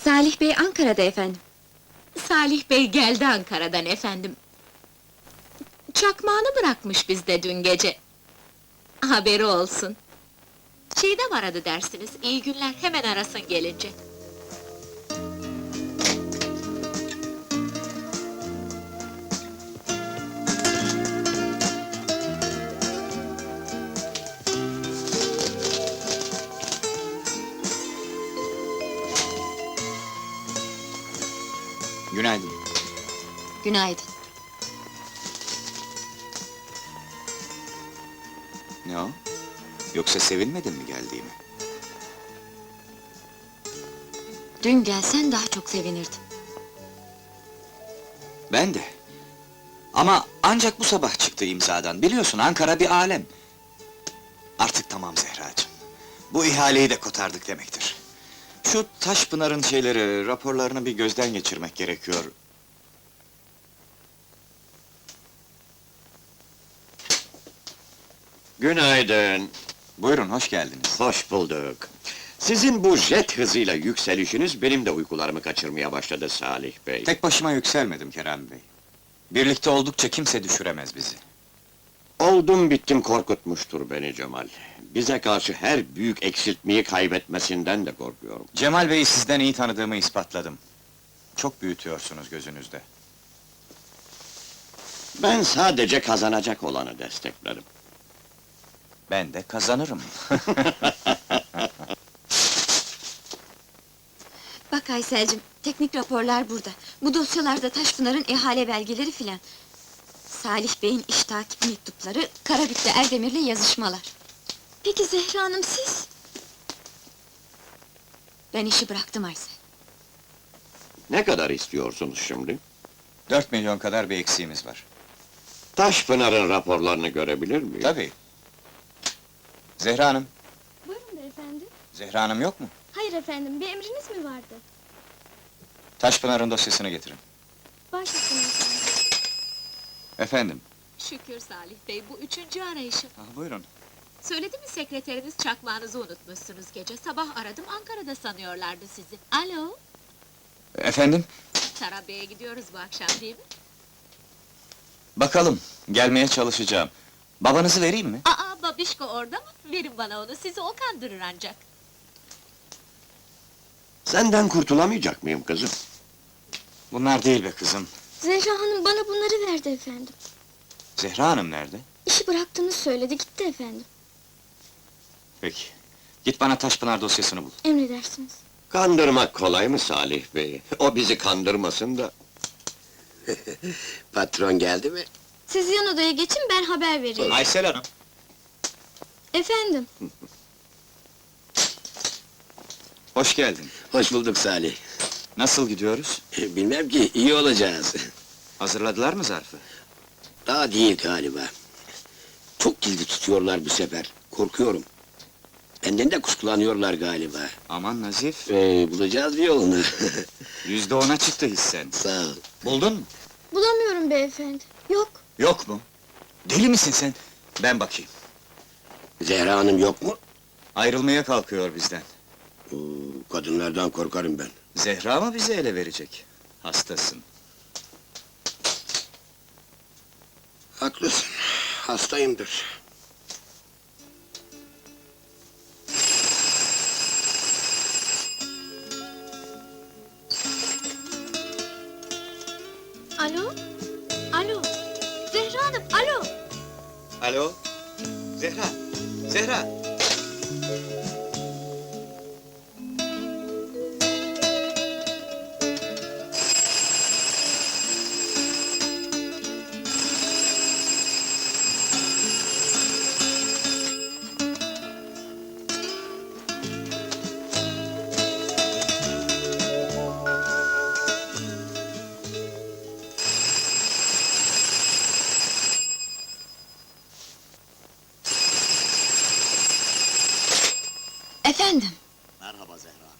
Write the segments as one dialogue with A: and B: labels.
A: Salih Bey Ankara'da efendim.
B: Salih Bey geldi Ankara'dan efendim. Çakmağını bırakmış bizde dün gece. Haberi olsun. Çiğdem aradı dersiniz, iyi günler, hemen arasın gelince.
C: Günaydın.
A: Günaydın.
C: Ne o? Yoksa sevinmedin mi geldiğimi?
A: Dün gelsen daha çok sevinirdim.
C: Ben de. Ama ancak bu sabah çıktı imzadan. Biliyorsun Ankara bir alem. Artık tamam Zehracığım. Bu ihaleyi de kotardık demektir. Şu Taşpınar'ın raporlarını bir gözden geçirmek gerekiyor.
D: Günaydın,
C: Buyurun, hoş geldiniz.
D: hoş bulduk. Sizin bu jet hızıyla yükselişiniz benim de uykularımı kaçırmaya başladı Salih Bey.
C: Tek başıma yükselmedim Kerem Bey. Birlikte oldukça kimse düşüremez bizi.
D: Oldum bittim korkutmuştur beni Cemal. Bize karşı her büyük eksiltmeyi kaybetmesinden de korkuyorum.
C: Cemal Bey'i sizden iyi tanıdığımı ispatladım. Çok büyütüyorsunuz gözünüzde.
D: Ben sadece kazanacak olanı desteklerim.
C: Ben de kazanırım.
A: Bak Aysel'cim, teknik raporlar burada. Bu dosyalarda Taşpınar'ın ihale belgeleri filan. Salih Bey'in iş takip mektupları, Karabük'te Erdemir'le yazışmalar. Peki Zehra Hanım siz? Ben işi bıraktım Aysel.
D: Ne kadar istiyorsunuz şimdi?
C: 4 milyon kadar bir eksiğimiz var.
D: Taşpınar'ın raporlarını görebilir miyim?
C: Tabii. Zehra Hanım,
E: Buyurun beyefendi.
C: Zehra Hanım yok mu?
E: Hayır efendim, bir emriniz mi vardı?
C: Taşpınar'ın dosyasını getirin.
E: Baş üstüne efendim.
C: Efendim?
B: Şükür Salih Bey, bu üçüncü arayışım.
C: Buyurun.
B: Söyledi mi sekreteriniz çakmağınızı unutmuşsunuz gece? Sabah aradım, Ankara'da sanıyorlardı sizi. Alo,
C: Efendim?
B: Tarabya'ya gidiyoruz bu akşam değil mi?
C: Bakalım, gelmeye çalışacağım. Babanızı vereyim mi?
B: Aa, babişko orada mı? Verin bana onu, sizi o kandırır ancak.
D: Senden kurtulamayacak mıyım kızım?
C: Bunlar değil be kızım.
E: Zehra Hanım bana bunları verdi efendim.
C: Zehra Hanım nerede?
E: İşi bıraktığını söyledi, gitti efendim.
C: Peki. Git bana Taşpınar dosyasını bul.
E: Emredersiniz.
D: Kandırmak kolay mı Salih Bey? O bizi kandırmasın da.
F: Patron geldi mi?
E: Siz yan odaya geçin, ben haber vereyim.
C: Aysel Hanım.
E: Efendim,
C: Hoş geldin.
F: Hoş bulduk Salih.
C: Nasıl gidiyoruz?
F: Bilmem ki, iyi olacağız.
C: Hazırladılar mı zarfı?
F: Daha değil galiba. Çok gizli tutuyorlar bu sefer, korkuyorum. Benden de kuşkulanıyorlar galiba.
C: Aman Nazif,
F: Bulacağız bir yolunu.
C: %10'a çıktı hissen.
F: Sağ ol.
C: Buldun mu?
E: bulamıyorum beyefendi. Yok,
C: Yok mu? Deli misin sen? Ben bakayım.
F: Zehra Hanım yok mu?
C: Ayrılmaya kalkıyor bizden.
F: Kadınlardan korkarım ben.
C: Zehra mı bizi ele verecek? Hastasın.
F: Haklısın, hastayımdır.
E: alo? Alo? Zehra Hanım, alo?
C: Alo? Zehra! Zehra!
A: Efendim?
G: Merhaba Zehra Hanım.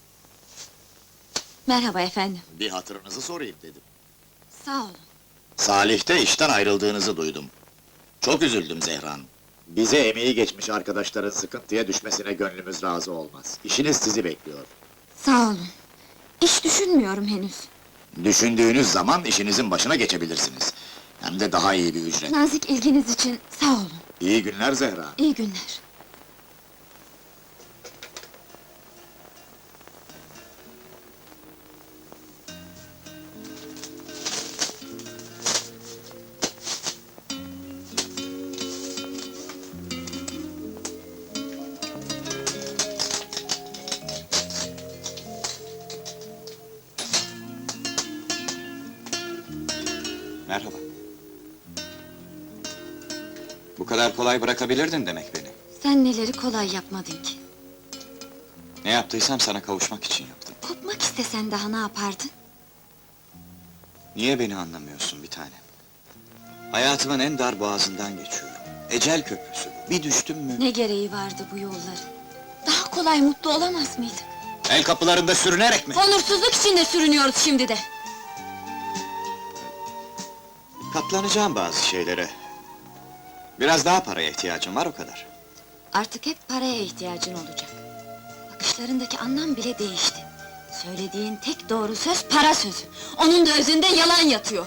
A: Merhaba efendim.
G: Bir hatırınızı sorayım dedim.
A: Sağ olun.
G: Salih'te işten ayrıldığınızı duydum. Çok üzüldüm Zehra Hanım. Bize emeği geçmiş arkadaşların sıkıntıya düşmesine gönlümüz razı olmaz. İşiniz sizi bekliyor.
A: Sağ olun. İş düşünmüyorum henüz.
G: Düşündüğünüz zaman işinizin başına geçebilirsiniz. Hem de daha iyi bir ücret.
A: Nazik ilginiz için sağ olun.
G: İyi günler Zehra.
A: İyi günler.
C: Merhaba. Bu kadar kolay bırakabilirdin demek beni.
A: Sen neleri kolay yapmadın ki?
C: Ne yaptıysam sana kavuşmak için yaptım.
A: Kopmak istesen daha ne yapardın?
C: Niye beni anlamıyorsun bir tanem? Hayatımın en dar boğazından geçiyorum. Ecel köprüsü bu. Bir düştüm mü?
A: Ne gereği vardı bu yolların? Daha kolay mutlu olamaz mıydık?
C: El kapılarında sürünerek mi?
A: Onursuzluk içinde sürünüyoruz şimdi de.
C: Katlanacağım bazı şeylere. Biraz daha paraya ihtiyacım var, o kadar.
A: Artık hep paraya ihtiyacın olacak. Bakışlarındaki anlam bile değişti. Söylediğin tek doğru söz para sözü. Onun da özünde yalan yatıyor.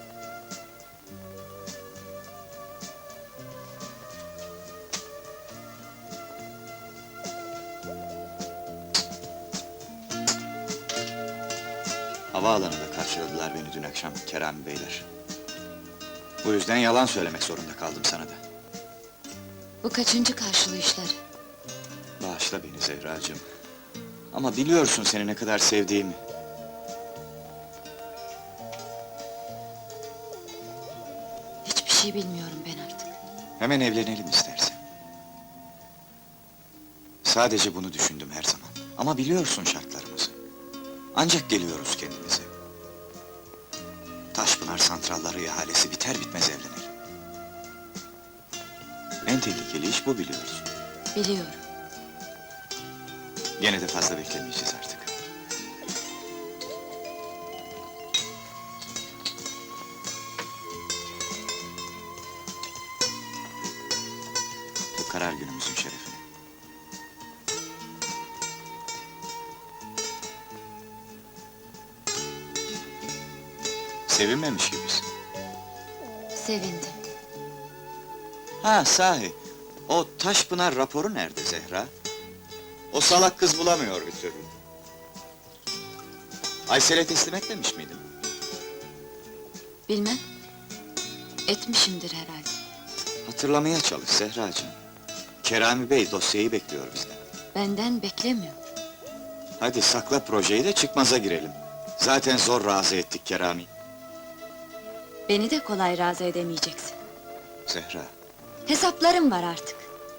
C: Havaalanında karşıladılar beni dün akşam Kerami Beyler. Bu yüzden yalan söylemek zorunda kaldım sana da.
A: Bu kaçıncı karşılayışları?
C: Bağışla beni Zehracığım. Ama biliyorsun seni ne kadar sevdiğimi.
A: Hiçbir şey bilmiyorum ben artık.
C: Hemen evlenelim istersen. Sadece bunu düşündüm her zaman. Ama biliyorsun şartlarımızı. Ancak geliyoruz kendimize. Taşpınar santralları ihalesi biter bitmez evlenelim. En tehlikeli iş bu, biliyorsun.
A: Biliyorum.
C: Gene de fazla beklemeyeceğiz artık. Bu karar günümüzün şerefine. Sevinmemiş gibisin.
A: Sevindim.
C: Ha sahi, o Taşpınar raporu nerede Zehra? O salak kız bulamıyor bir türlü. Aysel'e teslim etmemiş miydin?
A: Bilmem. Etmişimdir herhalde.
C: Hatırlamaya çalış Zehracığım. Kerami Bey dosyayı bekliyor bizden.
A: Benden beklemiyor.
C: Hadi sakla projeyi de çıkmaza girelim. Zaten zor razı ettik Kerami.
A: Beni de kolay razı edemeyeceksin.
C: Zehra,
A: Hesaplarım var artık.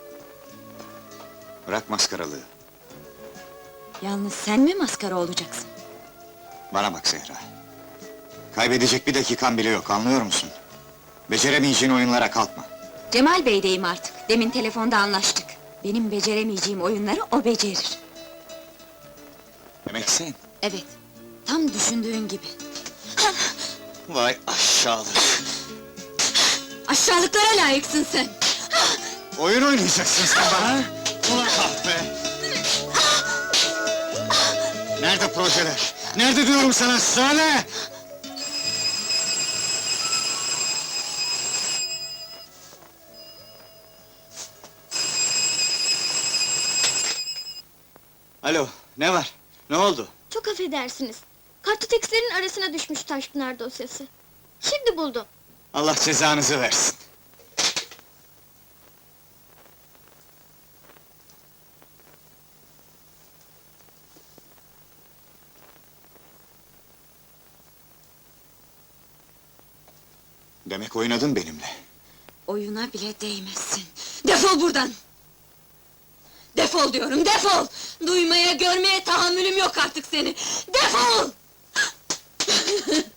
C: bırak maskaralığı.
A: Yalnız sen mi maskara olacaksın?
C: Bana bak Zehra. Kaybedecek bir dakikan bile yok, anlıyor musun? Beceremeyeceğin oyunlara kalkma.
A: Cemal Bey'deyim artık. Demin telefonda anlaştık. Benim beceremeyeceğim oyunları o becerir.
C: Demek sen.
A: Evet, tam düşündüğün gibi.
C: Vay aşağılık!
A: Aşağılıklara layıksın sen!
C: Oyun oynayacaksın sen bana! Ulan kahpe! Nerede projeler? Nerede diyorum sana, söyle! Alo, ne var? Ne oldu?
E: Çok affedersiniz. Kartotekslerin arasına düşmüş Taşpınar dosyası. Şimdi buldum.
C: Allah cezanızı versin! Demek oynadın benimle.
A: Oyuna bile değmezsin. Defol buradan! Defol diyorum, defol! Duymaya, görmeye tahammülüm yok artık seni! Defol!